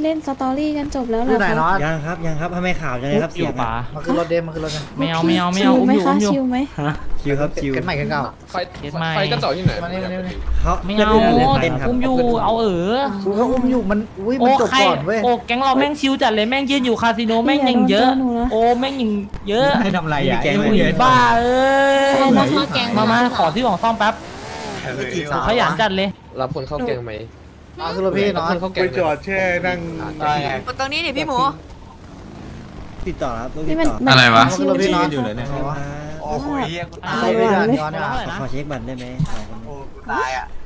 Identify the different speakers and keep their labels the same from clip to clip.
Speaker 1: เล่นสตอรี่กันจบแล้วเหร
Speaker 2: อยู่
Speaker 1: อ
Speaker 2: ไหน
Speaker 1: คะ
Speaker 2: เนาะ
Speaker 3: ยังครับทำไมข่าวจังเลยครับ
Speaker 4: อ
Speaker 3: เสี
Speaker 4: ยู่
Speaker 3: ยง
Speaker 4: ป่า
Speaker 2: มันคือรถเดมมันคือรถเดม
Speaker 4: ไม่เอา
Speaker 1: ชิลไหมคะ
Speaker 4: อุ้มอยู่
Speaker 1: ชิลไหม
Speaker 3: ชิวครับชิว
Speaker 2: เกิดใหม่กันเก่า
Speaker 5: ไฟกันต่อที่ไหน
Speaker 2: มานี่
Speaker 3: เขา
Speaker 4: ไม่เอา
Speaker 3: เต้นครับ
Speaker 4: อุ้มอยู่เอา
Speaker 2: กูก็อุ้มอยู่มันอุ้ย
Speaker 4: โอ้
Speaker 2: มันจบ
Speaker 4: ใคร
Speaker 2: ก่อนเว้ย
Speaker 4: โอ้แก๊งเราแม่งชิวจัดเลยแม่งยืนอยู่คาสิโนแม่งยังเยอะโอ้แม่งยังเยอะ
Speaker 6: ให้ทำอะไรอ่ะ
Speaker 3: แกง
Speaker 6: ไอ้
Speaker 3: ไม่
Speaker 6: เหี้
Speaker 3: เย
Speaker 6: ย
Speaker 3: อะ
Speaker 4: บ้าเอ้ย
Speaker 1: นะคะแกง
Speaker 4: มาขอที่ของซ่อมแป๊บขยันจัดเลย
Speaker 5: รับคนเข้าแกงไหม
Speaker 2: มาคือรถพี่
Speaker 5: รับ
Speaker 2: เนาะ
Speaker 5: คนเข้าแกง
Speaker 7: ไปจอดแช่นั่ง
Speaker 8: ตรงนี้นี่พี่หมู
Speaker 3: ติดต่อครับต้องติ
Speaker 1: นี่
Speaker 3: ด
Speaker 1: มัน
Speaker 3: ต่อ
Speaker 6: อะไรวะ
Speaker 1: ชิล
Speaker 2: พี่
Speaker 1: ชิล
Speaker 2: เนาะ
Speaker 6: อยู่เลยเนี่ย
Speaker 3: โอ้โห
Speaker 2: ใช่พี่กันย้อน
Speaker 3: ขอเช็คบัตรได้ไหมสองคน
Speaker 6: ตายอ่ะ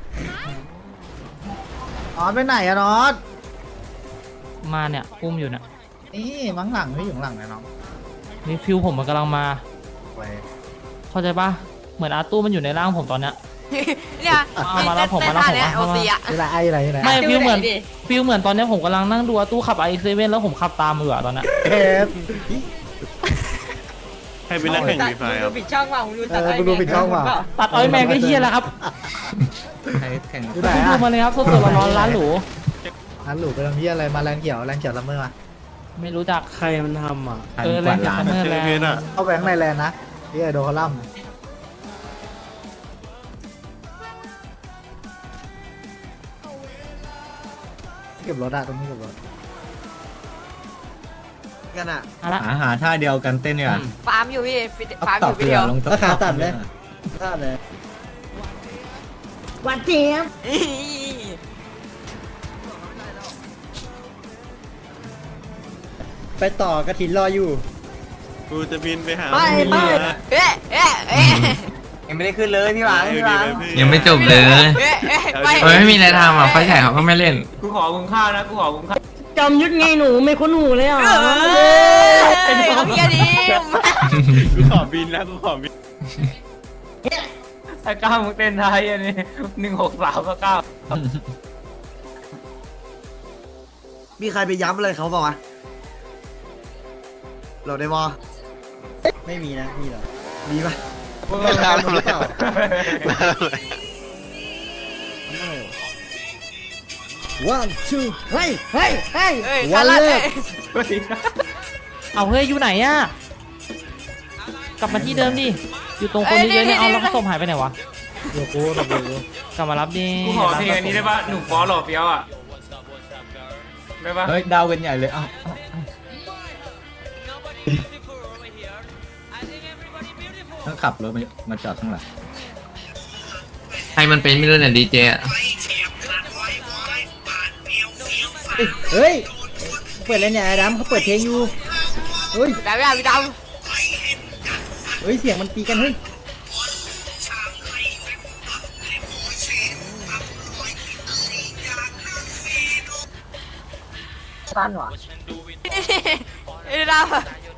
Speaker 2: อ๋อไปไหนอะน็อต
Speaker 4: มาเนี่ยอุ้มอยู่เนี่ย
Speaker 2: นี่มั้งหลังพี่อยู่หลังนะน้อง
Speaker 4: นี่ฟิวผมมันกำลังมา
Speaker 2: ไป
Speaker 4: เข้าใจปะเหมือนอาตู้มันอยู่ในร่างผมตอนเนี้ย
Speaker 8: เนี่ย
Speaker 4: เอามาแล้วผมมาแล้วผม
Speaker 8: เนี่ย
Speaker 4: มา
Speaker 8: โอซีอะ
Speaker 2: อยู่ไหนอยู่ไหนอยู่ไหน
Speaker 4: ไม่ฟิลเหมือนตอนเนี้ยผมกำลังนั่งดูอาตู้ขับไอเซเว่นแล้วผมขับตามอยู่อะตอนเนี้ย
Speaker 2: เอ๊ะ
Speaker 7: ให้เป็นนักแข่งวีไฟครับ
Speaker 8: ปิดช่องว่ะมึงดูตัด
Speaker 2: กูดูปิดช่องว่ะ
Speaker 4: ตัดอ้อยแมงก็เฮี้ยแล้วครับ
Speaker 6: ใครแข่ง
Speaker 2: อยู่ไหน
Speaker 4: ดู
Speaker 2: อะ
Speaker 4: มาเลยครับสดๆร้อนๆร้านหรู
Speaker 2: อันหลูไปทำเพี้ยอะไรมาแรงเขียวละเมอมา
Speaker 4: ไม่รู้จัก
Speaker 3: ใครมันทำอ่ะ
Speaker 4: เออแรงจากซัมเมอร์
Speaker 7: เจ
Speaker 4: แร
Speaker 7: อเพชรง อ่ะ
Speaker 2: เอาแบงค์ในแลนด์นะพี่ไอโดนเขาล่ำเก็บรถอะตรงนี้เก็บรถ
Speaker 3: กันอ่ะ
Speaker 4: เอาละ
Speaker 6: หาท่าเดียวกันเต้นเนี่ย
Speaker 8: ฟาร์มอยู่พี่
Speaker 6: เอา
Speaker 8: ฟาร์ม
Speaker 6: ต
Speaker 8: อ
Speaker 6: อบ
Speaker 8: ยู่
Speaker 6: เรือ
Speaker 8: พี่เดียว
Speaker 6: ลง
Speaker 3: แล้วขาตัดเลยตัดเลย
Speaker 1: วันเจี๊ยบ
Speaker 3: ไปต่อกระถินรออยู่
Speaker 7: กูจะบินไปหา
Speaker 8: เอ๊ะเอ๊ะเอ๊ะ
Speaker 6: ยังไม่ได้ขึ้นเลยพี่หวาน
Speaker 7: พี่หวาน
Speaker 9: ยังไม่จบเลย
Speaker 8: เอ๊ะเอ๊ะไป
Speaker 9: เฮ้ยไม่มีอะไรทำอ่ะไฟฉายเขาก็ไม่เล่น
Speaker 4: กูขอคุณข้าวนะกูขอคุณข้าว
Speaker 1: จำยุดไงหนูไม่คุ้นหูเลยอ่ะ
Speaker 8: เอาเพี้ยดิ
Speaker 7: กูขอบินแล้วกูขอบิน
Speaker 4: ไอ้ก้าวมึงเต้นไทยอันนี้163ก็ก้าว
Speaker 3: มีใครไปย้ำอะไรเขาเปล่าวะเราได้บอไม่มีนะมีเหรอมีปะไม่ทำเลยone two เฮ้ย
Speaker 8: เฮ้ยคาราเต้
Speaker 4: เอาเฮ้ยอยู่ไหนอะกลับมาที่เดิมดิอยู่ตรงคนเยอะๆเนี่ยเอาแล้วศพหายไปไหนวะ
Speaker 2: เดี๋ยวกูตบเลย
Speaker 4: กลับมารับดิ
Speaker 5: กูขอเพลงอันนี้ได้ป่ะหนุ่มฟอหล่อเฟี้ยวอ่ะได้ป่ะ
Speaker 6: เฮ้ยดาวกันใหญ่เลยอ้าว ต้องขับรถมาจอดข้างหลัง
Speaker 9: ใครมันเป็นไม่รู้เนี่ยดีเจอ่ะ
Speaker 3: เฮ้ยเปิดอะไรเนี่ยไอ้ดำเขาเปิดเพลงอยู่เฮ้ย
Speaker 8: ดำพี่ดำ
Speaker 3: เฮ้ยเสียงมันตีกันเฮ้ย
Speaker 8: เอ้ยดำ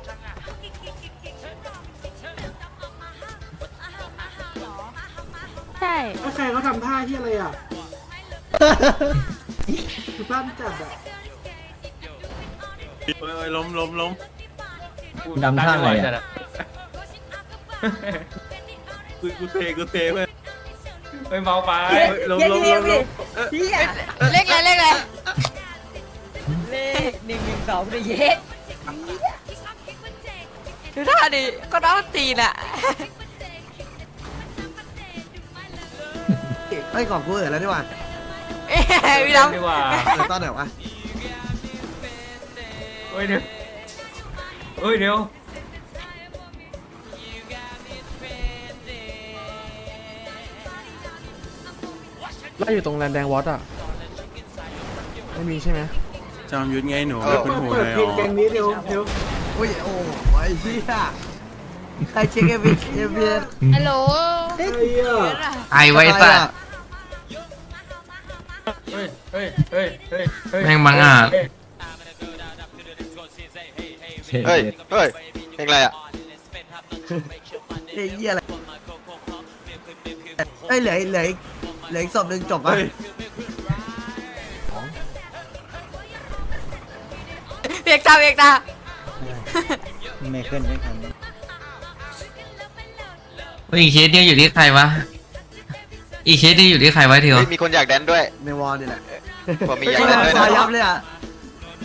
Speaker 1: ใช่
Speaker 2: ใครเขาทำท่าที่อะไรอ่ะคือบ้านจัดอ่ะ
Speaker 7: เอ้ยล้ม
Speaker 6: ดำท่าอะไรอ่ะ
Speaker 7: กูเทเว้ย
Speaker 5: เฮ้ยเมาไป
Speaker 7: ล้ม
Speaker 8: เล็กเลยเล็กเลยเลข112เลยเย็ดดูท่าดิก็น้องตีนอะ
Speaker 3: ไอ้ยก่อนกูแล้วดีกว่า
Speaker 8: เอ้ยพี่ดำ
Speaker 5: ดีกว่า
Speaker 3: แล้วตอนไหนวะ
Speaker 5: เฮ้ยเดี๋ยวเฮ้ยเดี๋ยว
Speaker 10: แล้วอยู่ตรงแลนแดงวอตอ่ะ ไม่มีใช่ไหม
Speaker 7: จอมยุทธไงหนูไม่คุ้นหูเลยอ๋อ
Speaker 3: อุ้ยโอ้ยเฮียใครเช็คเอฟเอ
Speaker 1: ฮัลโหล
Speaker 9: ไอไว้สัตว์
Speaker 5: เฮ้ย
Speaker 9: แม่งบังอาจ
Speaker 6: เฮ้ย
Speaker 5: เพลงอะไรอ่ะ
Speaker 3: เฮียอะไรเอ้ยเหลืออีกศพหนึ่งจบปะ
Speaker 8: เบียกตา
Speaker 3: ไม่ขึ้นไม่ขึ้น
Speaker 9: อีกเคสเนี่ยอยู่ที่ใครวะอีกเคสนี่อยู่ที่ใครวะทีวะ
Speaker 5: มีคนอยากแดนด้วย
Speaker 3: ในวอลนี่แหละ
Speaker 5: ผมมี
Speaker 3: ไม่
Speaker 5: อยาก
Speaker 3: ใช่
Speaker 5: แดนด้วย
Speaker 3: คอ
Speaker 5: นะ
Speaker 3: ยับเลยอ่ะ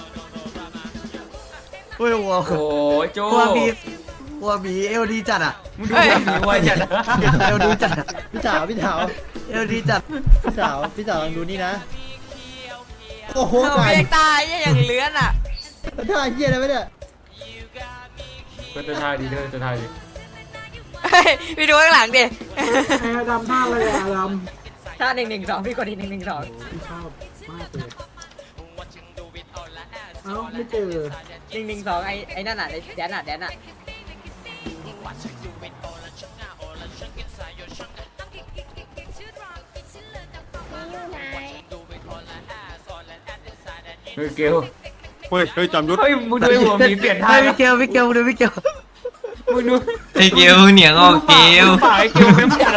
Speaker 3: โอ้ยวัว
Speaker 5: โอ้ยโจ
Speaker 3: วัวหมีเอลดีจัดอ่ะ
Speaker 5: มึงดูแบบนี้ไว้จัด
Speaker 3: เอลดีจัดอะ
Speaker 2: พี่สาวพี่สาว
Speaker 3: เอลดีจัด
Speaker 2: พี่สาวลองดูนี่นะโอ้โห
Speaker 8: เปียกตายอย่างเลื้อนอ่ะ
Speaker 2: ท่าเหี้ยอะไรวะเนี่ย
Speaker 5: ก็จะท่าดีเด้อจะท่าดี
Speaker 8: เฮ้ยไปดูข้างหลังดิ
Speaker 2: ไอ้ดำท่าอะไรอะด
Speaker 8: ท่า112พี่กดที่112
Speaker 2: ำพี่ชอบมากเลยเอ้าไม่เจอ
Speaker 8: 112ไอ้นั่นน่ะไอ้แดนน่ะ
Speaker 5: เฮ้ยเกล
Speaker 7: เฮ้ยจอมยุทธ
Speaker 5: เฮ้ยมึงดูไอ้หัวหมีเปลี่ยนท่า
Speaker 3: เฮ้ยพี่เกลดูพี่เกล
Speaker 5: มึงดู
Speaker 9: ไอ้เกลเหนียงออกเกล
Speaker 5: ฝ่ายเกลเมมจัด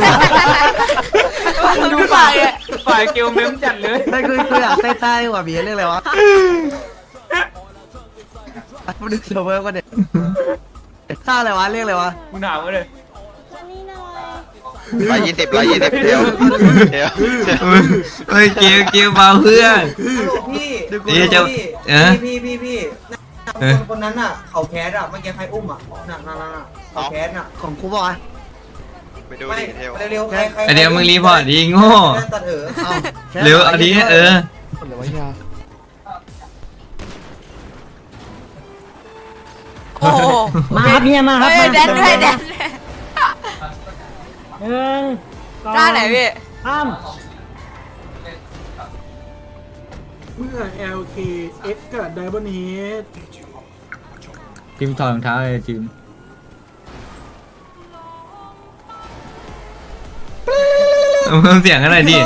Speaker 8: ดูปากอ่ะ
Speaker 5: ฝ่ายเกลเมมจัดเลย
Speaker 3: ไม่คืออยากเต้นท่าหัวหมีเรื่องอะไรวะมาดูเซอร์เวอร์ก็เด็ดท่าอะไรวะเรียกอะไรวะ
Speaker 5: มึงถามมาเลย
Speaker 6: 120เดี๋ยว
Speaker 9: เฮ้ยเกลเบาเพื่อน
Speaker 3: พี่
Speaker 9: เดี๋ยวจะ
Speaker 3: พี่
Speaker 9: เออ
Speaker 3: คนนั้นอ่ะเขาแคสอ่ะเมื่อกี้ใครอุ้มอ่ะน่ะเขาแคสอ่ะของครูบอกอ่ะ
Speaker 6: ไปดูดิเทล
Speaker 3: เร็วๆใคร
Speaker 9: ไอเดี๋ยวมึงรีพอร์ตดีโง่
Speaker 3: ตัดเอา
Speaker 9: เร็วเอาดีเออ
Speaker 10: หรือว่ายา
Speaker 8: โอ้โห
Speaker 1: มาครับเนี่ยมาครับ
Speaker 8: เฮ้ยแดนด้วยแดน
Speaker 1: หนึ่งสอง
Speaker 8: ท่าไหนพี่
Speaker 1: สาม
Speaker 2: เมื่อ LKX กับ Diamond Head
Speaker 6: ทีมถอดรองเท้าเลยทีม
Speaker 9: เพิ่มเสียงกันหน่อยดิ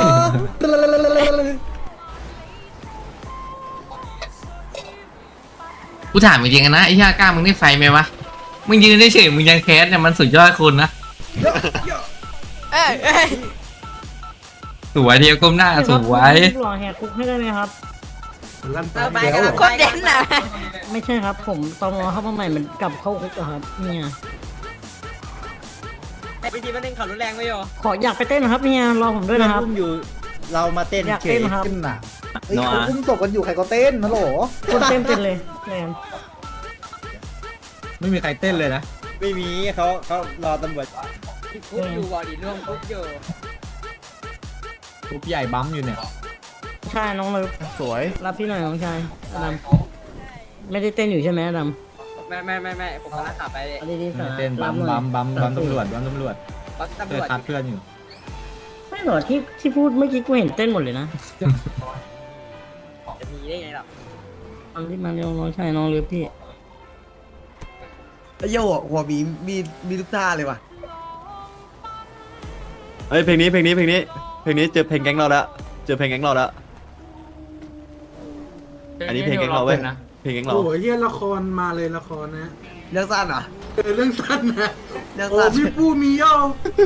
Speaker 9: กูถามจริงๆนะไอ้ย่ากล้ามึงได้ไฟไหมวะมึงยืนได้เฉยมึงยังแคสเนี่ยมันสุดยอดคนนะ
Speaker 8: เอ้ย
Speaker 9: สวยเดียวก้มหน้าสวย
Speaker 1: หล่อแหกคุกให้ได้ไหมครับ
Speaker 2: ลั่น
Speaker 8: เราไป
Speaker 2: แล้
Speaker 8: กัน
Speaker 2: ว
Speaker 8: แล้วคนเด่นน่ะ
Speaker 1: ไม่ใช่ครับ ผมตอมอเข้ามาใหม่มันกลับเข้าคุกอะครับเนี่ย
Speaker 8: วิธีมันเล่นเขารุนแรงไม่โย
Speaker 1: ขออยากไปเต้นนะครับเนี่ยรอผมด้วยนะครับ
Speaker 2: อุ้มอยู่เรามาเต้น
Speaker 1: อยากเต้นครับ
Speaker 2: เต้นน่ะเฮ้ยเขาอุ้มศพกันอยู่ใครก็เต้นนะโหล
Speaker 1: คนเต้นเป็นเลยแมน
Speaker 6: ไม่มีใครเต้นเลยนะ
Speaker 2: ไม่มีเขารอตำรวจ
Speaker 8: คุกอยู่บอดีร่วมคุกอยู่
Speaker 6: ทุบใหญ่บั๊มอยู่เนี่ย
Speaker 1: ใช่น้องเลย
Speaker 10: สวย
Speaker 1: รับพี่หน่อยน้องชายอดัมไม่ได้เต้นอยู่ใช่ไหมอดัม
Speaker 8: ไม่ผมกำลังขับไป
Speaker 1: เอาดีๆสา
Speaker 6: เต้น
Speaker 1: รั
Speaker 6: บั๊
Speaker 1: บ
Speaker 6: ม
Speaker 1: หน่อย
Speaker 6: บั๊มตำรวจบั๊มตำรวจ
Speaker 8: ปักตำ
Speaker 6: เพื่
Speaker 8: ร
Speaker 6: อ
Speaker 8: วจ
Speaker 6: คัดเพื่อนอยู่
Speaker 1: ไม่หรอที่พูดเมื่อกี้กูเห็นเต้นหมดเลยนะ
Speaker 8: จะมีได้ไงหรอ
Speaker 1: เอาที่มาเร็วน้องชายน้องเลือพี่
Speaker 3: ไอ้เหี้ยหัวหมีมีทุกท่าเลยว่ะ
Speaker 7: เฮ้ยเพลงนี้เจอเพลงแก๊งเราแล้วอันนี้เพลงแก๊งเราเว้ยเพลงแก๊งเรา
Speaker 2: โอ้ยเฮียละครมาเลยละครนะ
Speaker 3: เรื่องสั้นเหรอ
Speaker 2: เรื่องสั้นนะ
Speaker 3: เรื่อง
Speaker 2: โอ้
Speaker 3: สั้น
Speaker 2: พี่ปูมีย่อ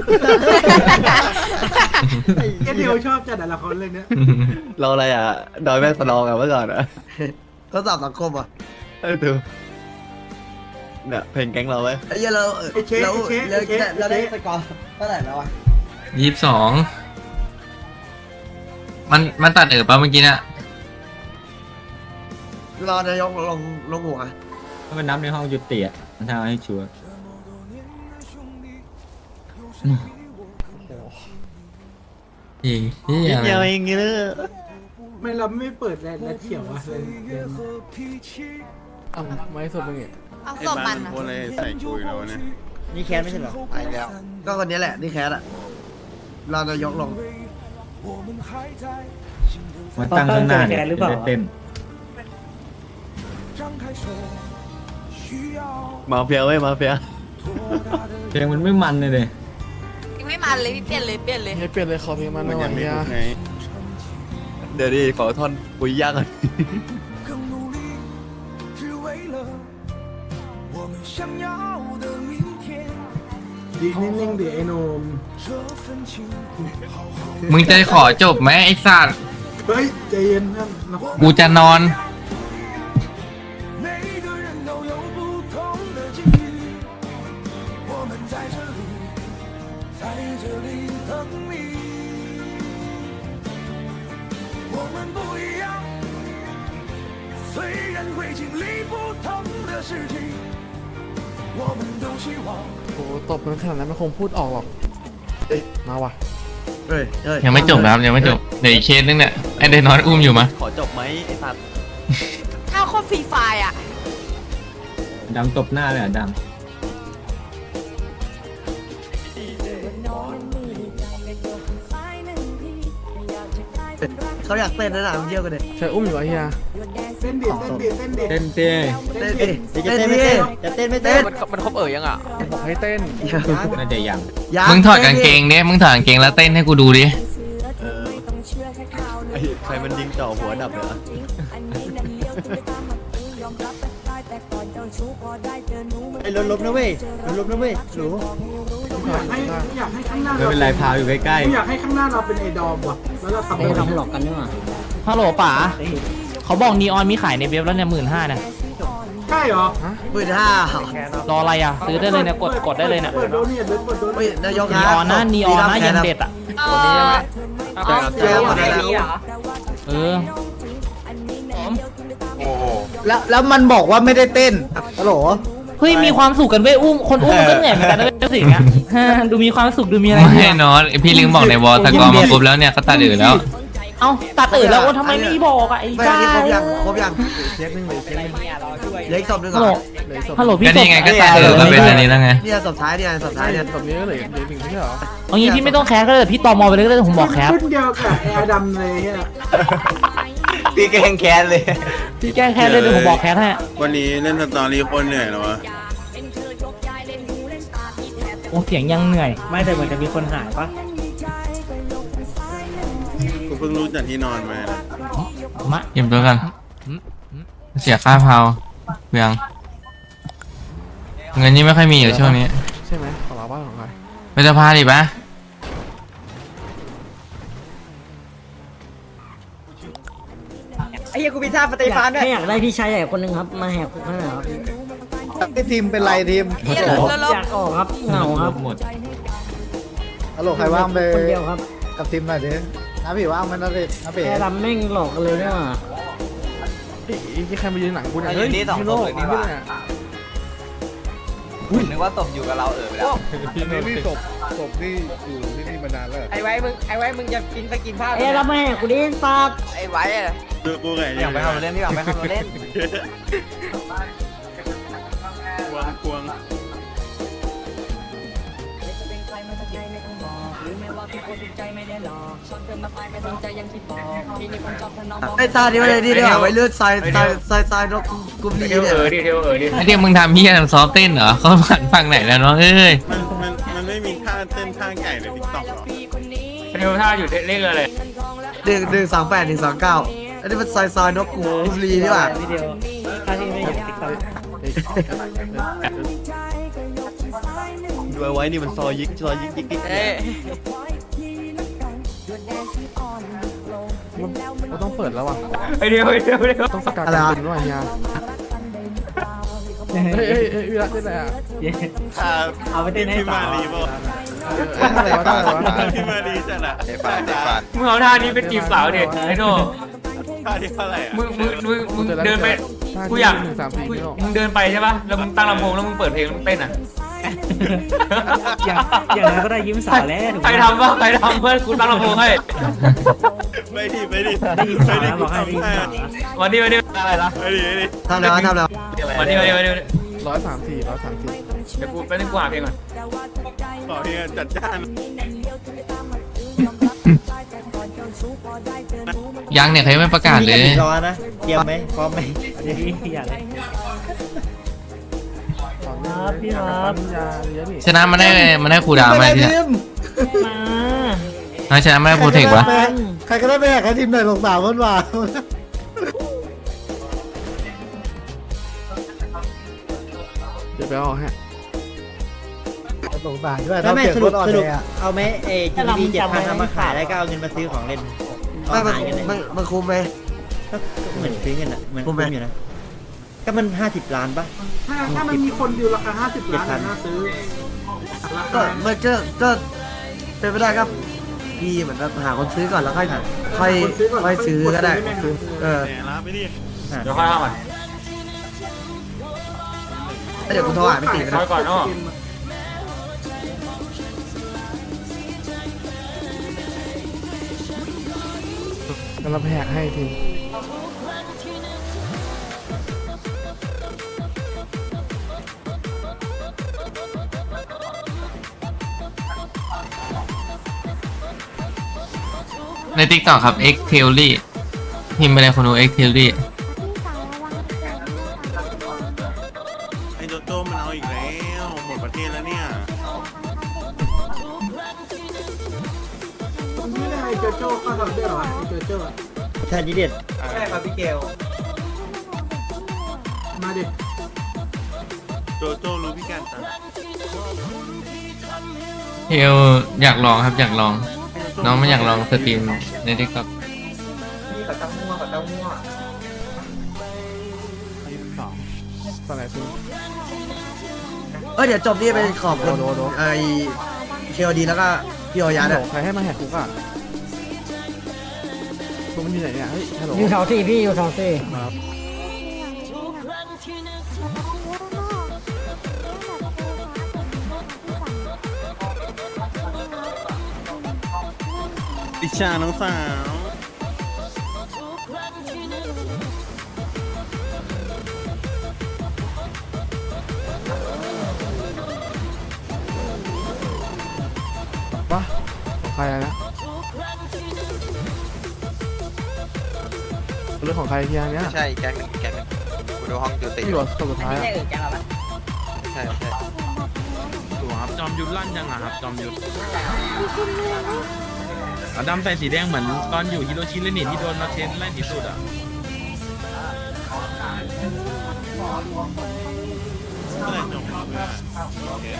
Speaker 2: ไอ้เดียวชอบจัดละครเรื่องเนี้ย
Speaker 7: เราอะไรอ่ะดอยแม่สนองอ่ะเมื่อก่อนอ่ะ
Speaker 3: ทดสอบสังคมอ่ะ
Speaker 7: ดูเนี่ยเพลงแก๊งเราเว้ย
Speaker 3: ไอ้เหี้ยเราได้สกอร์เท่าไหร่แล้ววะ
Speaker 9: 22มันตัดปะเมื่อกี้เนี่ย
Speaker 3: รอนายกลงหัว
Speaker 6: ถ้ามันนับในห้องยุติอ่ะมันทำให้ชัวร์
Speaker 9: อีกนี่อะไร
Speaker 7: เดียวเองเลย
Speaker 2: ไม่เราไม่เปิดแลนเขียวอะเลย
Speaker 10: เอาไม่สดเป็นไง
Speaker 8: เอา
Speaker 7: ไอ้
Speaker 8: ศพ
Speaker 7: บ้า
Speaker 8: มัน น
Speaker 7: โคตรเลยใส่กุยแล้วเนี่ย
Speaker 2: นี่แคนไม่ใช่เหรอ
Speaker 3: ไปแล้ว ก็คนนี้แหละที่แคสอ่ะรอนายกลง
Speaker 6: มันตั้งข้างหน้าเนี่ยจะได้เต้น
Speaker 7: มาเฟียเว้ยมาเฟีย
Speaker 6: เพลงมันไม่มันเลย
Speaker 8: ไม่มันเลยพี่เปลี่ยนเลย
Speaker 10: ให้เปลี่ยนเลยขอเพลงมันห
Speaker 7: มัน
Speaker 10: น่อ
Speaker 7: ยังไม่
Speaker 10: ย
Speaker 7: ถู
Speaker 10: ยาก
Speaker 7: ไงเดี๋ยวดิขอท่อนปุยยากก่อน
Speaker 2: ดีนิ่งๆดิไอ้โนม
Speaker 9: มึงจะขอจบไหมไอ้สัตว์
Speaker 2: เฮ้ยใจเย็นนะ
Speaker 9: กูจะนอน
Speaker 11: ฝ
Speaker 10: โอ้ตบมันขนาดนั้นมันคงพูดออกหรอกมาว่ะ
Speaker 3: เฮ้ยเฮ้ย
Speaker 9: ยังไม่จบนะครับยังไม่จบเดี๋ยวอีกเคสนึงเนี่ยไอเดนอนอุ้มอยู่มะ
Speaker 7: ขอจบไหมไอ้สัตว์
Speaker 8: ถ้าโคตรฟรีไฟร์อ่ะ
Speaker 6: ดำตบหน้าเลยอ่ะด
Speaker 3: เขาอยากเต้นนะมึงเยี่ยวกันเลย
Speaker 10: ใช่อุ้มอยู่ไอ้เฮีย
Speaker 2: เต้นดิเต้นดิเต้นดิ
Speaker 6: ำเต้นเต้
Speaker 3: เต้นดิเต้นดิจะเต้นไม่เต้น
Speaker 8: มันครบยังอ่ะ
Speaker 10: บอกให้เต้น
Speaker 6: น่าจะยัง
Speaker 9: มึงถอดกางเกงเนี่ยมึงถอดกางเกงแล้วเต้นให้กูดูดิ
Speaker 7: ไอ้ใครมันยิงจ่อหัวดับเลยอะ
Speaker 3: ไอ้ลบนะเว้ยลบนะเว้ยหนู
Speaker 2: อยากให้ข้างหน้า
Speaker 6: ไม่เป็นไรพาอยู่ใกล้
Speaker 2: อยากให้ข้างหน้าเราเป็นไอดอมว่ะแล้วเราทำ
Speaker 1: ไม่ทำหลอกกันนี่หว่า
Speaker 4: ฮัลโหลป๋าเขาบอกนีออนมีขายในเว็บแล้วเนี่ย15,000นะ
Speaker 2: ใช่เหรอ
Speaker 4: รออะไรอ่ะซื้อได้เลยเนี่ยกดได้เลยเนี่ย
Speaker 2: เปิดโดเนี่ยเปิดโด
Speaker 3: เฮ้ย
Speaker 2: เนี่ย
Speaker 3: นายก
Speaker 4: นีออนนะนีออนนะยังเด็ดอ่ะ
Speaker 3: เจอหมดแล้ว
Speaker 4: เออ
Speaker 3: แล้วมันบอกว่าไม่ได้เต้นฮัลโหล
Speaker 4: เฮ้ยมีความสุขกันเว้ยอุ้มคนอุ้มมันก็เหนื่อยเหมือนกันนะเว้ยสิ่งเงี้ยดูมีความสุขดูมีอะไร
Speaker 9: ไม่นอนพี่ลิงบอกในวอลตะกอมาปุ๊บแล้วเนี่ยเขาตัดอื่นแล้ว
Speaker 4: เอ้าตัดตื่นแล้วโอ้ทำไมไม่บอกอ่ะไอ้
Speaker 3: ไม่
Speaker 4: จ้า
Speaker 3: นี่ครบยังเช็คนึงเลยเช็คนึงเหลืออีกศพนึง
Speaker 4: ฮัลโหล
Speaker 3: เหลือศพ
Speaker 4: ฮัลโหลพี่
Speaker 9: ก็นี่ไงก็ตัดอื่นก็เป็นอันนี้แล้วไง
Speaker 3: เนี่ยศพท้ายเนี่ยศพท้ายเนี่ย
Speaker 10: ตบนี้ก็เหลือหนึ่งไม่ใช่เหรอ
Speaker 4: เอางี้พี่ไม่ต้องแคสก็ได้พี่ตอมอไปเลยก็ได้ผมบอกแคส
Speaker 2: รุ่นเดียวกับแอร์ดำเลยเนี่ย
Speaker 7: พี่แกงแค้นเลย
Speaker 4: พี่แก้แคสเลยเดี๋ยวผมบอกแคสให้
Speaker 11: วันนี้เล่นสตอรี่โคนเหนื่อยแล้ววะ
Speaker 4: โอ้เสียงยังเหนื่อย
Speaker 1: ไม่แต่เหมือนจะมีคนหายปะ
Speaker 11: กูเพิ่งรู้จากที่นอนมานะ
Speaker 4: มะ
Speaker 9: เก็บตัวกันเสียค่าเผาเบืองเงินนี่ไม่ค่อยมีอยู่ช่วงนี้
Speaker 10: ใช่ไหมของเราบ้านของใคร
Speaker 9: ไปจะพาดิปะ
Speaker 8: ไอ้เหี้ยกูมีท่าสเตฟานด้วย
Speaker 1: ให้อยากได้พี่ชายใหญ่คนหนึ่งครับมาแหกคุกให้หน่อยครับ
Speaker 3: ไอ้ทีมเป็นไรทีม
Speaker 1: อยากออกครับเหงาครับ
Speaker 6: หมด
Speaker 3: ฮัลโหลใครว่างไป
Speaker 1: คนเดียวครับ
Speaker 3: กับทีมหน่อยดิน้าพี่ว่างมันนะดิน้าเป๋
Speaker 1: แอร์ดำแม่งหลอกกันเลยเนี่ยว่ะ
Speaker 10: ใครมายืนหลังกูเนี่ยเฮ้ยพี่โน่พี่โน่เนี่ย
Speaker 8: นึกว่าตบอยู่กับเราไปแล้ว
Speaker 10: นี่ศพนี่อยู่ที่นี่มานานแล้ว
Speaker 8: ไอ้ไว้มึงจะกินสกินผ้า
Speaker 1: แอร์ดำแม่กูดิสัตว์
Speaker 8: ไอ้ไว้อะ
Speaker 11: คือกูไง
Speaker 8: อยากไปทำเล่นพี่อยากไปทำเล่น
Speaker 11: กวง
Speaker 3: ไอ้ตานี่มาเลยนี่ดีกว่าไว้เลือดทรายนกกุม
Speaker 5: เท
Speaker 3: นี้
Speaker 5: ล
Speaker 3: เนี่ย
Speaker 5: ดิเทลดิ
Speaker 9: ไอเดียมึงทำเฮียซอฟเต้นเหรอเขาผ่านฟังไหนแล้วเนาะเอ้ย
Speaker 11: มันไม่มีท่าเต้นท่าไก่ในทิกตอกหรอ
Speaker 5: เทลท่าอยู่เลขอะไร
Speaker 3: 138 129อันนี้มันทรายนกกุมนี้นี่ป่ะ
Speaker 1: วิดีโอถ้าที่ไม่เห็นติ๊กต็อก
Speaker 7: ดูไว้นี่มันซอยยิกยิก
Speaker 10: เราต้องเปิดแล้วว่ะ
Speaker 5: ไอเดียว
Speaker 10: ต้องสกัดกันเป็นว่าเฮียเฮ้ยวิรัตได้ไหมอ่ะ
Speaker 1: เอาไปเต้นให้
Speaker 11: พี่
Speaker 1: ต่อ
Speaker 11: มารีป่ะ
Speaker 10: อะไรวะอะไรวะ
Speaker 11: พี่มารีจัดอะ
Speaker 7: ไอ้ฟาดไอ้ฟาด
Speaker 5: มึงเอาท่านี้เป็นจีบสาวดิไอ้โน่
Speaker 11: ท่าที่เท่าไหร่อะ
Speaker 5: มึงเดินไปกูอยาก
Speaker 10: 134พี่โน่
Speaker 5: มึงเดินไปใช่ป่ะแล้วมึงตั้งลำโพงแล้วมึงเปิดเพลงมึงเต้นอ่ะ
Speaker 1: อย่างนั้นก็ได้ยิ้มสาวแล้ว
Speaker 5: ใครทำป่ะใครทำเพื่อนกูตั้งลำโพงให้
Speaker 11: ไปดิไปดิ
Speaker 1: ได้ยิ้มสาวแล้วบอกให้ได้ยิ้มสาว
Speaker 5: วันนี้อะไรล่ะ
Speaker 11: ไปดิ
Speaker 3: ทำแล้ว
Speaker 5: วันนี้
Speaker 10: 134
Speaker 5: เดี๋ยวกูไปนึกกูหาเพลงก่อน
Speaker 11: ขอเพียงจัดจ้าน
Speaker 9: ยังเนี่ยเขายังไม่ประกาศเลย
Speaker 3: รอนะเตรียมไหมพร้อมไหม
Speaker 1: อยากเลยครับพี่ครับ
Speaker 10: ยาเยอะนี่
Speaker 9: ชนะมันได้ครูดาวไหมที่เนี่ย
Speaker 1: มา
Speaker 9: ชนะไม่ได้โปรเทควะ
Speaker 3: ใครก็ได้ไปแหกให้ทีมหน่อยสาวคนว่า
Speaker 10: เดี๋ยวไปเอาฮะ
Speaker 3: สงสารด้วยถ้าไม่สรุปเอาไหมเอจี7,000เอามาขายได้ก็เอาเงินมาซื้อของเล่นมันคุ้มไหมเหมือนซื้อเงินอ่ะเหมือนคุ้มอยู่นะก็มัน50 ล้านป่ะ
Speaker 2: ถ้ามันมีคนอยู่ราคา50 ล้านน่าซื้อ
Speaker 3: ก็มันก็เป็นไปได้ครับพี่เหมือนแบบหาคนซื้อก่อนแล้วค่อยซื้อก็ได้ซื้อ
Speaker 11: แหมรับไปดิ
Speaker 5: เดี๋ยวค่อยเข้ามา
Speaker 3: เดี๋ยวกูโทรหาพี่ติ๋ม
Speaker 5: ค่อยก่อนเนาะ
Speaker 10: กำลังแหกให้ที
Speaker 9: ใน TikTok ครับ X Theory พิมพ์ไปเลยคนดู X Theory
Speaker 11: ไอ้โจโจ้มันเอาอีกแล้วหมดประเทศแล้วเนี่ย
Speaker 2: ไม่ได้ไอ้โจโจ้ก็ทำได้เหรอไอ้โจโจ้อะ
Speaker 3: แทนดีเด็ด
Speaker 8: ใช่ครับพี่เกล
Speaker 2: มาดิ
Speaker 11: โจโจ้รู้พิการตา
Speaker 9: เทลอยากลองครับอยากลอง น้องไม่อยากลองสตรีมใน TikTok
Speaker 8: นี่กับเต้ามั่วกับเต้ามั่ว
Speaker 10: ตอนไหนคุณ
Speaker 3: เดี๋ยวจบนี่ไปขอบคุณ
Speaker 10: โด
Speaker 3: ไอ้เคียวดีแล้วก็พี่โอยา
Speaker 10: ฮัล
Speaker 3: เนี่ย
Speaker 10: โหลใครให้มาแหกคุกอ่ะคุณมันอยู่ไหนเนี่ยเฮ้ยฮัลโหล
Speaker 1: อยู่แถวสี่พี่อยู่แถวสี่
Speaker 10: ครับ
Speaker 11: ดิชาน้องสาว
Speaker 10: ปะของใครอะนะเรื่องของใครทีอันเนี้ย
Speaker 8: ใช่แก๊งหนึ่งกูดูห้องจุติ
Speaker 10: ที่อยู่คนสุดท้ายอะ
Speaker 8: ใช่ใช่
Speaker 4: ถูกครับจอมยุทธลั่นยังอะครับจอมยุทธดำใส่สีแดงเหมือนตอนอยู่ฮิโรชิมาเลยนี่ที่โดนมาเชนไล่ที่สุดอ่ะ
Speaker 11: เมื่อไหร่จบเ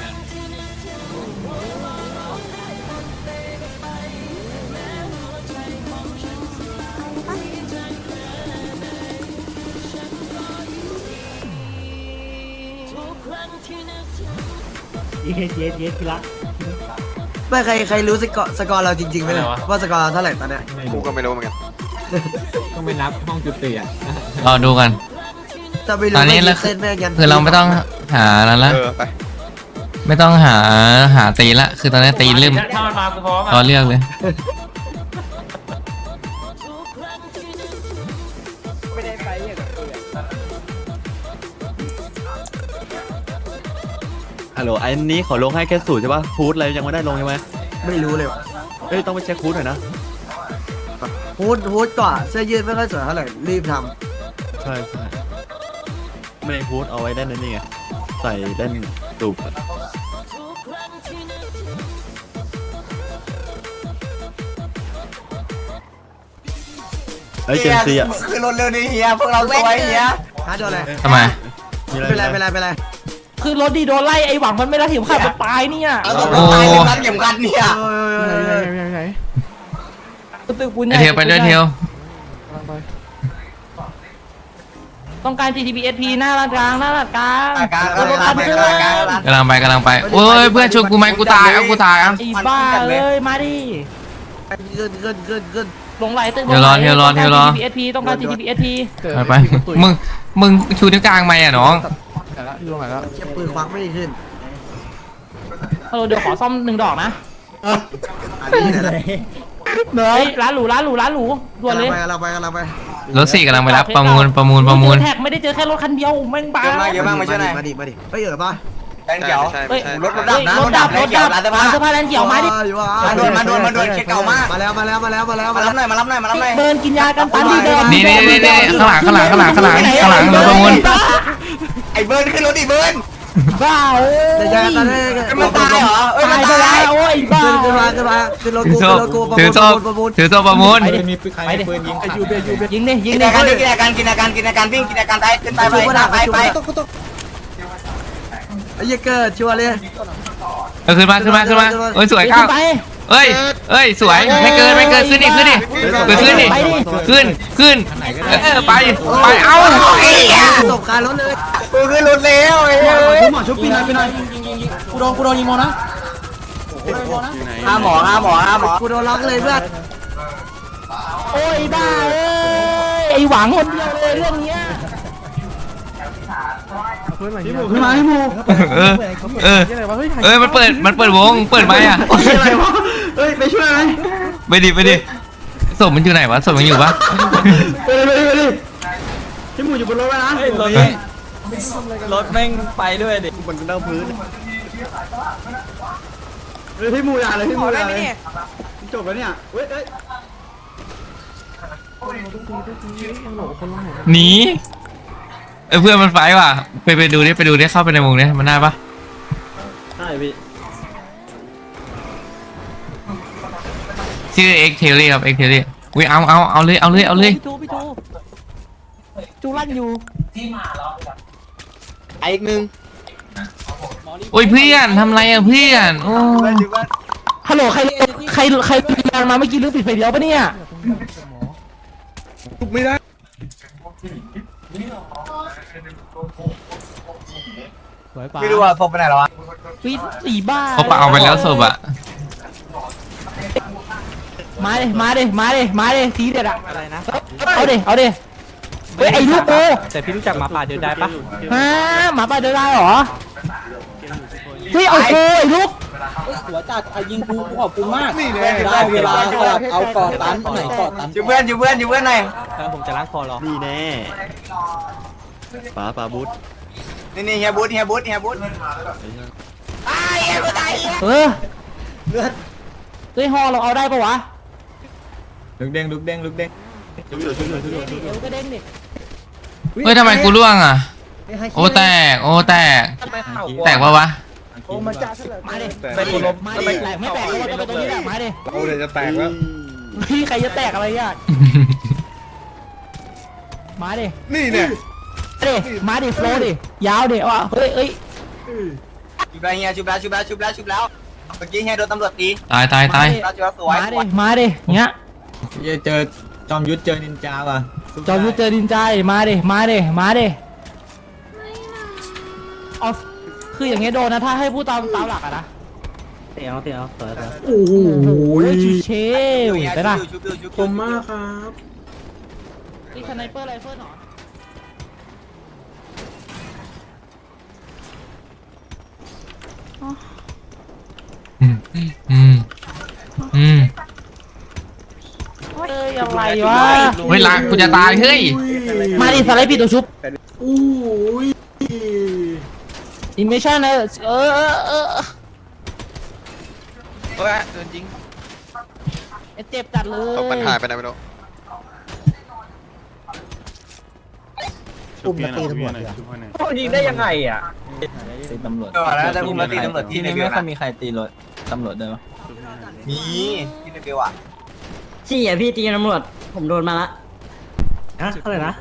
Speaker 3: ไม่ใครรู้สกอร์เราจริงๆไหมเนี่ยว่าสกอร์เราเท่าไหร่ตอนเนี้ย
Speaker 8: กูก็ไม่รู้เหมือนกัน
Speaker 6: ต้องไปนับห้องจุติอ่ะ
Speaker 9: รอดูกัน
Speaker 3: ถ้าไม่รู้
Speaker 9: ตอนนี้
Speaker 3: ไม่
Speaker 9: เรา
Speaker 3: เต้นแม่งยัน
Speaker 9: คือเราไม่ต้องหาแล้วละ
Speaker 8: ไป
Speaker 9: ไม่ต้องหาตีละคือตอนนี้ตีลืม
Speaker 5: ถ้ามันมากูพร้อม
Speaker 9: รอ
Speaker 5: อ่ะ
Speaker 9: เลือกเลย
Speaker 8: ไม่ได้ไปเนี่ย
Speaker 7: ฮัลโหลอันนี้ขอลงให้แค่สูตรใช่ป่ะฟูดอะไรยังไม่ได้ลงใช่ไหม
Speaker 3: ไม่รู้เลย
Speaker 7: เอ้ยต้องไปเช็คฟูดหน่อยนะ
Speaker 3: ฮูดก่อนเสื้อยืดไม่ค่อยสวยเท่าไหร่รีบท
Speaker 7: ใช่ใช่ไม่ได้ฟูดเอาไว้เล่นนั่นนี่ไงใส่เล่นตูบเฮ้ยเจนซีอ่ะ
Speaker 8: คือรถเร็วนี่เฮียพวกเราสวยเฮีย
Speaker 3: ำหาโดนอะไร
Speaker 9: ทำไม
Speaker 3: เป็นไร
Speaker 4: คือรถดีโดนไล่ไอ้หวังมันไม่รัดเข็มขัดมันตายเนี่ย
Speaker 8: เอาตัวตายเลยรัดเข็มขัดเนี่ย
Speaker 10: ไหน
Speaker 4: ตึกปุ้น
Speaker 9: ไอเทลไปด้วยเทล
Speaker 10: กำลังไป
Speaker 4: ต้องการ GTPSP หน้าร้านกลางหน้าร้านกลาง
Speaker 8: กลาง
Speaker 4: รถคันเครื่อง
Speaker 9: กำลังไปโอ้ยเพื่อนชวนกูไหมกูตายเอากูตายเอา
Speaker 4: ไอ้บ้าเลยมาดิ
Speaker 3: ขึ้น
Speaker 4: ลงไหลตึก
Speaker 9: เทลรอ
Speaker 4: GTPSP ต้องการ GTPSP
Speaker 9: ไปมึงชูนิ้วกลางไหมอ่ะน้อง
Speaker 10: ไหนละอยู่ตรงไหนละ
Speaker 3: เก็บปืนควักไม่ได้ขึ้น
Speaker 4: เดี๋ยวขอซ่อม1 ดอกนะ
Speaker 3: อันนี้ไหน
Speaker 4: เฮ้ยร้านหรูด่วนเลย
Speaker 3: กำลังไป
Speaker 9: รถสี่กำลังไปรับประมูล
Speaker 4: แท็กไม่ได้เจอแค่รถคันเดียวแม่งบ้า
Speaker 8: เยอะมากมาช่วยหน่อย
Speaker 3: มาดิเฮ้ยป่ะ
Speaker 8: แรงเขียว
Speaker 4: เฮ้ย
Speaker 8: รถดับนะรถดับร้านเสื้อผ้า
Speaker 4: เสื้อผ้าแลนเขียวมาดิ
Speaker 8: มาด่วนเช็คเก่ามาก
Speaker 3: มาแล้ว
Speaker 8: มารับหน่อย
Speaker 4: เดินกินยากันตันดีเดิน
Speaker 9: นี่ข้างหลังรถประมูล
Speaker 8: ไอ้เบิร์นขึ้นรถดิเบิร์น
Speaker 4: บ้าเอ้ย
Speaker 3: เดี๋ยวจะตอนนี้
Speaker 8: มันตายเหรอเอ้ย
Speaker 4: ตา
Speaker 8: มัน
Speaker 4: ยไป
Speaker 8: ตาย
Speaker 4: แล้วโอ้ยบ้า
Speaker 3: ขึ้นรถ
Speaker 9: ถือโซ่ประมูล
Speaker 6: มีใครปืนยิง
Speaker 10: ไอยูเบยูเบ
Speaker 4: ยิงดิ
Speaker 8: กินอาการวิ่งกินอาการวิ่งกินอาการตายขึ้นไปไป
Speaker 3: ไอ้เหี้ยเกิดชัวร์เลย
Speaker 9: ขึ้นมาเอ้ยสวยข้าวเอ้ยสวยไม่เกินขึ้นดิขึ้นไปเอ้า
Speaker 3: ตบการรถเลย
Speaker 8: กูขึ้นรถแล้วไอ้เฮ้ย
Speaker 2: หมอชุบปีนหน่อยกูโดนยิงโมนะ
Speaker 8: ห้าหมอ
Speaker 3: กูโดนล็อกเลยเพื่อน
Speaker 4: โอ้ยบ้าเอ้ย
Speaker 1: ไอ้หวังคนเดียวเลยเรื่องเนี้ย
Speaker 10: เพื่อนอะไร
Speaker 2: พี่
Speaker 10: เนี่ย
Speaker 2: หมูขึ้นมาพี่หมู
Speaker 10: ยังไงวะเฮ้ย
Speaker 9: มันเปิดวงเปิดไหมอ่ะ
Speaker 2: อะไรวะเฮ้ยไปช่วยไหม
Speaker 9: ไปดิศพมันอยู่ไหนวะศพมันอยู่ปะ
Speaker 2: ไปดิพี่หมูอยู่บนรถไว้นะ
Speaker 5: รถแม่งไปด้วยดิ
Speaker 7: มันเน่าพื้น
Speaker 2: เฮ้ยพี่หมูอย่าเลยพี่หมูอย่าเลยจบแล้วเนี่ยเฮ้ย
Speaker 9: หนีเพื่อนมันไฟว่ะไปดูดิเข้าไปในวงนี้มันได้ปะ
Speaker 2: ใช่พี่
Speaker 9: ชื่อเอ็กเทลลี่ครับเอ็กเทลลี่อุ้ยเอาเลย
Speaker 1: พี่โจจูลั่นอยู่
Speaker 3: ไอ้อีกนึง
Speaker 9: โอ้ยเพื่อนทำไรอ่ะเพื่อนโอ้
Speaker 1: ฮัลโหลใครยางมาเมื่อกี้เรื่องปิดไฟเดียวปะเนี่ย
Speaker 11: ไม่ได้
Speaker 8: ไม่รู้ว่าศพไปไหนแล้ววะ
Speaker 1: วิสีบ้า
Speaker 9: เขาปะเอาไปแล้วศพอ่ะ
Speaker 1: มาดิทีเด็ดอะอะไรนะเอาดิเฮ้ยไอ้ลูกโก
Speaker 5: แต่พี่รู้จักหมาป่าเดินได้ปะ
Speaker 1: ฮะหมาป่าเดินได้เหรอเฮ้ยเอาโกไอ้ลูก
Speaker 3: หัวจัดยิงกูขอบคุณมาก
Speaker 11: นี่แน่
Speaker 3: ได้เวลาเอากอดตันไหนกอดตัน
Speaker 8: อยู่เพื่อนหน่อย
Speaker 5: ผมจะล้างคอรอ
Speaker 7: นี่แน่ป๋าบูธ
Speaker 8: นี่เฮียบุ๊ด
Speaker 1: เออเฮ้ยฮอเราเอาได้ปะวะ
Speaker 6: ลุกเด้ง
Speaker 1: เดี๋ยวก็เด้งดิ
Speaker 9: เฮ้ยทำไมกูร่วงอ่ะโอ้แตกปะวะ
Speaker 1: มาดิ
Speaker 11: แต่คนล้ม
Speaker 1: มาดิแตกไม่แตกก็ว่าจะไปตรงนี้แหละมาดิ
Speaker 11: เราเลยจะแตกแล้ว
Speaker 1: พี่ใครจะแตกอะไรอ่ะมาดิ
Speaker 11: นี่เนี่ย
Speaker 1: มาดิโฟล์ดิยาวดิว่ะเฮ้ย
Speaker 8: ชุบแล้วเมื่อกี้เฮียโดนตำรวจตี
Speaker 9: ตาย
Speaker 8: ชุบแล้วสวย
Speaker 1: มาดิเงี้ย
Speaker 6: เจอจอมยุทธเจอนินจาว่ะ
Speaker 1: จอมยุทธเจอดินใจมาดิเอาคืออย่างเงี้ยโดนนะถ้าให้พูดตามหลักอะนะเตี๋ยวโอ้โหเชลไปละ
Speaker 2: คมมากครับ
Speaker 1: นี่สไนเปอร์ไรเฟิลหรอ เอ้ยอะไรวะ
Speaker 9: เวลากูจะตายเฮ้ย
Speaker 1: มาดิสไลด์ปิดตัวชุบ
Speaker 2: อู้ย
Speaker 1: อิมเมชั่นนะเออ
Speaker 8: โดนยิง
Speaker 1: เจ็บจัดเลย
Speaker 7: มันหายไปไหนไม่รู้
Speaker 11: ชุบเพี้ยนหน่อยชุบเพี้ยนหน่อย
Speaker 5: ยิงได้ยังไงอ่ะ
Speaker 8: ตำรวจแล้วจะอุ้มแล้วตีตำรวจที่ในเบล
Speaker 5: ไม่ค่อยมีใครตีรถตำรวจได้ปะ
Speaker 8: มีที่ในเบลอ่ะ
Speaker 1: ชี้อ่ะพี่ตีตำรวจผมโดนมาละอะอะไรนะ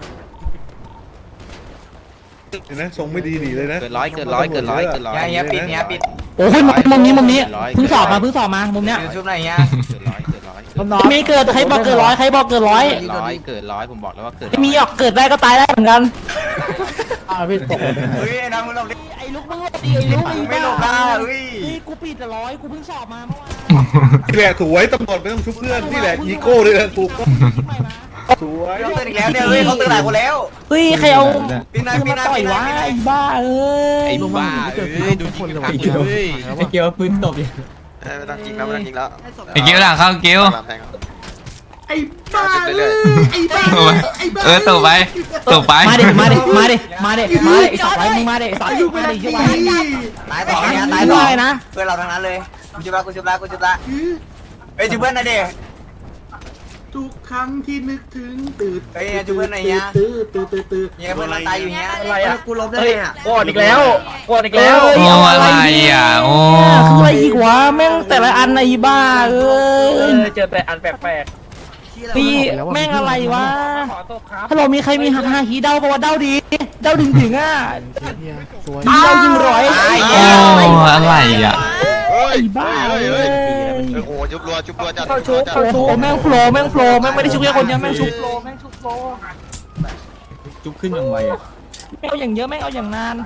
Speaker 11: เห็นไหมทรงไม่ดีหนีเลยนะ
Speaker 8: เฮียปิด
Speaker 1: โอ้ยมุมนี้เพิ่งสอบมามุมเนี้ย
Speaker 8: ชุบไหนเฮีย
Speaker 1: ไม่เกิดใครบอกเกิดร้อยเกิดร้อยผมบอกแล้วว่าเกิดมีออกเกิดได้ก็ตายได้เหมือนกันพี่ตก
Speaker 8: เฮ้ยน้องมึงหลบดิ
Speaker 1: ไอ้ลูกมึงหลบดิไอ้ลูก
Speaker 8: ไม่หลบได้เฮ้ย
Speaker 1: กูปิดแต่ร้อยกูเพิ่งสอบมาเมื่อวาน
Speaker 11: นี่แหละสวยตำรวจไม่ต้องชุบเพื่อนนี่แหละอีโก้เลยนะถูกสวย
Speaker 8: เขาตื่นอีกแล้วเนี่ยเฮ้ยเขาตื่นหลายคนแล้ว
Speaker 1: เฮ้ยใครเอา
Speaker 8: ปีนา
Speaker 1: มาต่อยวะไอ้บ้าเอ้ย
Speaker 6: ดูจริงไอ้เกียวปืนตบอยู่
Speaker 7: ไม่ต้องยิงแล้ว
Speaker 9: ไอ้เกี้ยวหลังเข้าเกี้ยว
Speaker 2: ไอ้บ้าไอ้บ้า
Speaker 9: ตบไป
Speaker 1: มาดิไอ้สัตว์ไรมึงมาดิไอ้สัตว์มาดิช่วย
Speaker 8: ตายต่อเนี่ยตายต่อนะเพื่อนเราทั้งนั้นเลยกูชุบละเฮ้ยชุบเพื่อนนะเด็ก
Speaker 2: ทุกครั้งที่นึกถึงตื่น
Speaker 8: เฮ้ยชุบเพื่อนไหนเฮีย
Speaker 2: ตื่น
Speaker 8: เฮียเพื่อนเราตายอยู่เฮีย
Speaker 5: อะไรอ่ะ
Speaker 8: กูล้มได้เนี่ย
Speaker 5: กอดอีกแล้วกอดอีกแล้ว
Speaker 9: โอ้อะไรอ่ะโอ้
Speaker 1: คืออะไรอีกวะแม่งแต่ละอันไอ้บ้าเอ้ย
Speaker 5: เจอแต่อันแปลก
Speaker 1: พี่แม่งอะไรวะ
Speaker 5: ๆขอโทษครับ
Speaker 1: ฮัลโหลมีใครมีฮาฮีเดาปะวะเดาดีเดาถึงอ่ะ
Speaker 10: สวย
Speaker 1: เดายิงร้อย
Speaker 9: โอ้อะไรอ่ะ
Speaker 1: ไอ้บ้าเอ้ย
Speaker 7: โอ้จุบรัวจัด
Speaker 1: โอ้โหแม่งโฟล์แม่งไม่ได้ชุบแค่คนเดียวแม่งชุบโฟล์แม่งชุบโฟล์
Speaker 6: จุบขึ้นยังไวอ่ะ
Speaker 1: แม่งเอาอย่างเยอะแม่งเอาอย่างนาน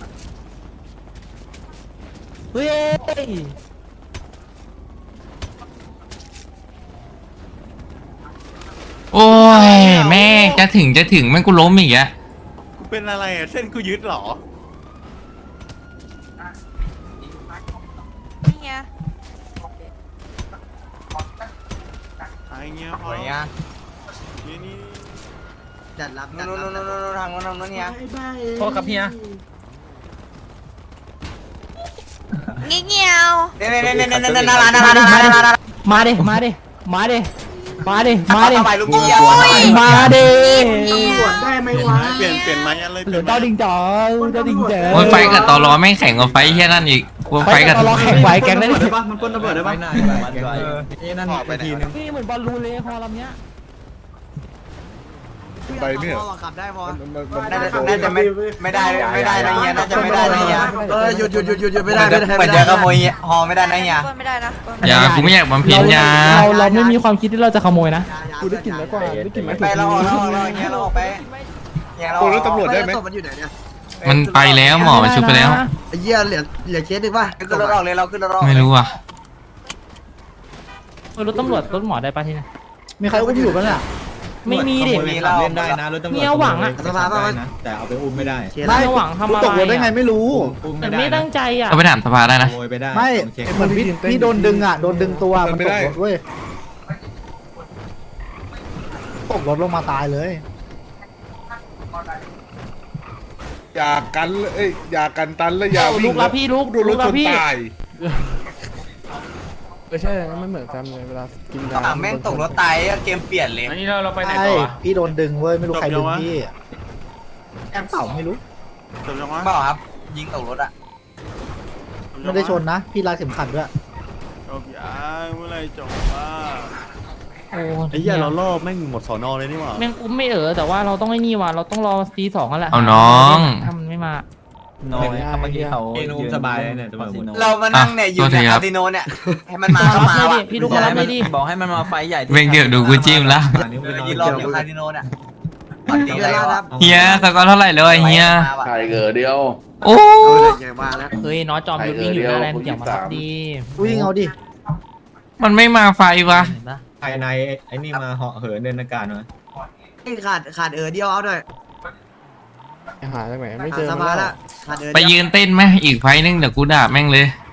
Speaker 1: เฮ้ย
Speaker 9: โอ้ยแม่งจะถึงแม่งกูล้มอีกอะ
Speaker 7: กูเป็นอะไรอ่ะเส้นกูยึดเหรอ
Speaker 4: นี่ไง
Speaker 7: ไอ้เงี้ยพอ
Speaker 8: อะไรเงี้ย
Speaker 7: นี่
Speaker 3: จัดรับ
Speaker 8: นู่นทางนู้นเนี่ย
Speaker 2: ไอ้บ้า
Speaker 6: โทษครับเฮีย
Speaker 4: เงี้ยว
Speaker 8: เนี่ยน่ารัก
Speaker 1: มาดิมาดิมาดิมาดิมาดิ
Speaker 8: ไปลูกเกียร์
Speaker 1: มาดิ
Speaker 2: ตำรวจได้ไหมวะ
Speaker 7: เปลี่ยนไม้ยันเลย
Speaker 1: เหลือเต้าดิงจ๋อเต้าดิงจ๋อ
Speaker 9: โอ้ยไฟกับตอรอแม่งแข่งกับไฟแค่นั้นอีกว่าไฟกับ
Speaker 1: ตลอดแข่งไฟแกงได้ดิ
Speaker 6: ปะมันปล้นตำรวจได้ปะนี่นั่นไปทีนึง
Speaker 1: นี่เหมือนบอลลูนเลยฮอลำเนี้ย
Speaker 11: ไปไม่เหรอ
Speaker 3: ขับได้พอ
Speaker 8: น่าจะไม่ได้นะเฮียน่าจะไม่ได้นะเฮีย
Speaker 3: หยุดไม่ได้
Speaker 8: เหมือนจะขโมยฮอไม่ได้นะเฮีย
Speaker 4: ปล้นไม่ได้นะปล้น
Speaker 9: อย่ากูไม่อยากบำเพ็ญยา
Speaker 1: เราไม่มีความคิดที่เราจะขโมยนะ
Speaker 10: กูได้กลิ่นแล้วกว่าได้กลิ่นไหม
Speaker 8: ไปเราออกเฮียเราออกไปเฮียเรา
Speaker 11: โอ้แล้วตำรวจได้ไหม
Speaker 3: มันอยู่ไหนเนี่ย
Speaker 9: มันไปแล้วหมอมันชุบไปแล้ว
Speaker 3: ไอ้เหี้ยเหลือเคสหนึ่งป่ะ
Speaker 8: ขึ้นรถออกเลยเราขึ้นรถออก
Speaker 9: ไม่รู้อ่ะ
Speaker 1: รถตำรวจรถหมอได้ปะที่นี่
Speaker 10: มีใครอุ้มอยู่ปะเนี่ย
Speaker 1: ไม่มีดิ
Speaker 8: มีเรา
Speaker 6: เล่นได้นะรถตำรวจ
Speaker 1: มีเอาหวังอะ
Speaker 6: สภาพนะแต่เอาไปอุ้มไม่ได้
Speaker 1: ไม่หวังทำอะไร
Speaker 10: ตกรถได้ไงไม่รู้
Speaker 6: อุ้ม
Speaker 1: แต่
Speaker 6: ไม่ได้
Speaker 1: ไม่ตั้งใจอ่ะ
Speaker 9: ก็ไปถามสภาได้นะ
Speaker 6: ขโมยไปได้
Speaker 10: ไม่
Speaker 6: โอเค
Speaker 10: เหมือนพี่โดนดึงอ่ะโดนดึงตัวมันตกรถเว้ยตกรถลงมาตายเลย
Speaker 11: อย่ากันเลยอย่ากันตันแล้วอย่าวิ่ง
Speaker 1: ลุกแล้วพี่ลุก
Speaker 11: โดนรถชนตาย
Speaker 10: ใช่ไม่เหมือนกันเลยเวลากินยา
Speaker 8: แม่งตกรถตายเกมเปลี่ยนเลย
Speaker 5: อันนี้เราไปไหน
Speaker 10: ใช่
Speaker 5: ต่อ
Speaker 10: พี่โดนดึงเว้ยไม่รู้ใครดึงพี่แอมเป่าไม่รู้
Speaker 7: จบยังวะ
Speaker 8: เปล่าครับ ยิงตกรถอ่ะ
Speaker 10: ไม่ได้ชนนะ พี่รัดเข็มขัดด้วย
Speaker 7: จบยังเมื่อไรจบว่า
Speaker 1: โอ้
Speaker 7: ไอ้เหี้ยเราล่อแม่งหมดสอนอเลยนี่หว่า
Speaker 1: แม่งอุ้มไม่แต่ว่าเราต้องไอ้นี่ว่ะเราต้องรอตีสองกันแหละ
Speaker 9: เอาน้อง
Speaker 1: ถ้ามันไม่มา
Speaker 6: น้อยครับเมื่อกี้เขาเองอุ้มสบายเนี่ยตัวมึง
Speaker 8: เรามานั่งเนี่ยอยู่ในคาสิโนเนี่ยให้มันมาก็มา
Speaker 1: รับ
Speaker 8: ว่ะ
Speaker 1: ดิพี่ลูกรับไม่ดิ
Speaker 6: บอกให้มันมาไฟใหญ่
Speaker 9: เวงเดี๋ยวดูกูจิ้มแล้ว
Speaker 8: ยืนรออยู่คาสิโนเนี่ยตอนนี้อะไรวะ
Speaker 9: เฮียสกอร์เท่าไหร่เลยเฮีย
Speaker 11: ถ่ายเกิดเดียว
Speaker 9: โอ้
Speaker 1: เฮ้ยน้อจอมยุทธวิ่งอยู่หน้าแลนด์เกี่ยวมารับดี
Speaker 10: วิ่งเอาดิ
Speaker 9: มันไม่มาไฟวะ
Speaker 1: เห็นปะ
Speaker 6: ภายในไอ้นี่มาเหาะเหินเดินอากาศมา
Speaker 3: ขาดเดียวเอาด้วย
Speaker 10: หาจากไหนไม่เจอ
Speaker 3: ส
Speaker 10: มัน
Speaker 3: บาย
Speaker 10: แล้
Speaker 3: ละ
Speaker 10: ว
Speaker 3: ขาด
Speaker 9: ไปยืนเต้นไหมอีกไฟนึงเดี๋ยวกูด่าแม่งเลย
Speaker 3: เ